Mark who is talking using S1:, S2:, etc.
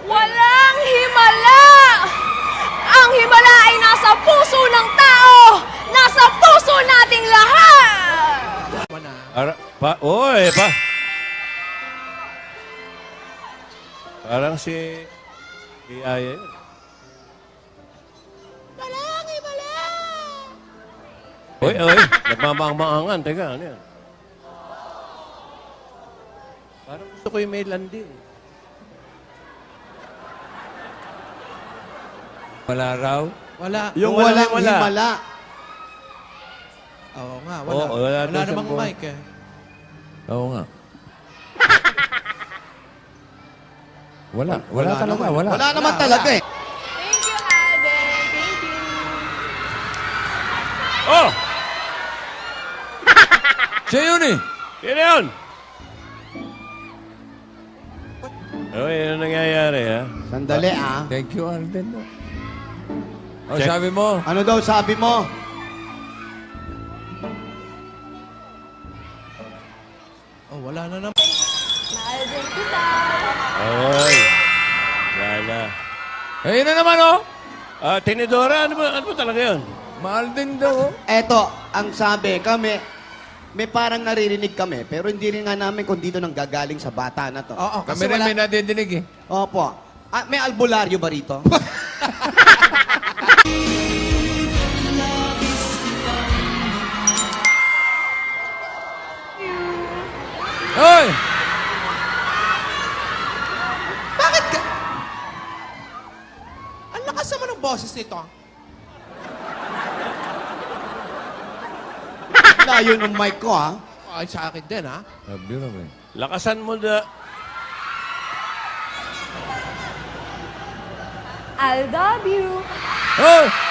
S1: Walang himala! Ang himala ay nasa puso ng tao! Nasa puso nating lahat!
S2: Oy, pa. Parang si Aya yun.
S1: Walang himala!
S2: Oy, nagmamang-maangan. Teka, ano yan? Parang gusto ko yung may landi.
S3: Wala raw.
S4: Wala.
S5: Yung
S2: Walang
S5: walang
S2: himala.
S5: himala.
S4: Oo nga, wala.
S2: Oo, wala daw siyang
S4: namang
S2: buwan.
S4: mic eh.
S3: Oo nga. Wala talaga, wala.
S5: Wala naman talaga eh.
S1: Thank you, Alden. Thank you.
S2: Oh!
S3: Siya yun eh.
S2: Sino yun? Oy, ano nangyayari, ha?
S5: Sandali ah.
S3: Thank you, Alden. O, sabi mo,
S5: Ano daw sabi mo?
S4: Oh, wala na naman.
S1: Mahal din kita.
S2: Oy. Lala.
S3: ayun na naman oh.
S2: Tinidora, ano ba talaga yun?
S3: Mahal din daw oh.
S5: Eto, ang sabi, kami, may parang naririnig kami, pero hindi rin nga namin kung dito nang gagaling sa bata na to.
S4: Oo,
S3: Kami
S4: kasi
S3: rin
S4: wala.
S3: may nadidinig eh.
S5: Opo. May albularyo ba rito?
S3: Hoy!
S4: Bakit ka? Ang lakas naman ng boses nito.
S5: Layo ng mic ko ah.
S4: Ay, sa akin din, ha?
S3: Sabi raw eh.
S2: Lakasan mo na.
S1: I love you.
S3: Oh!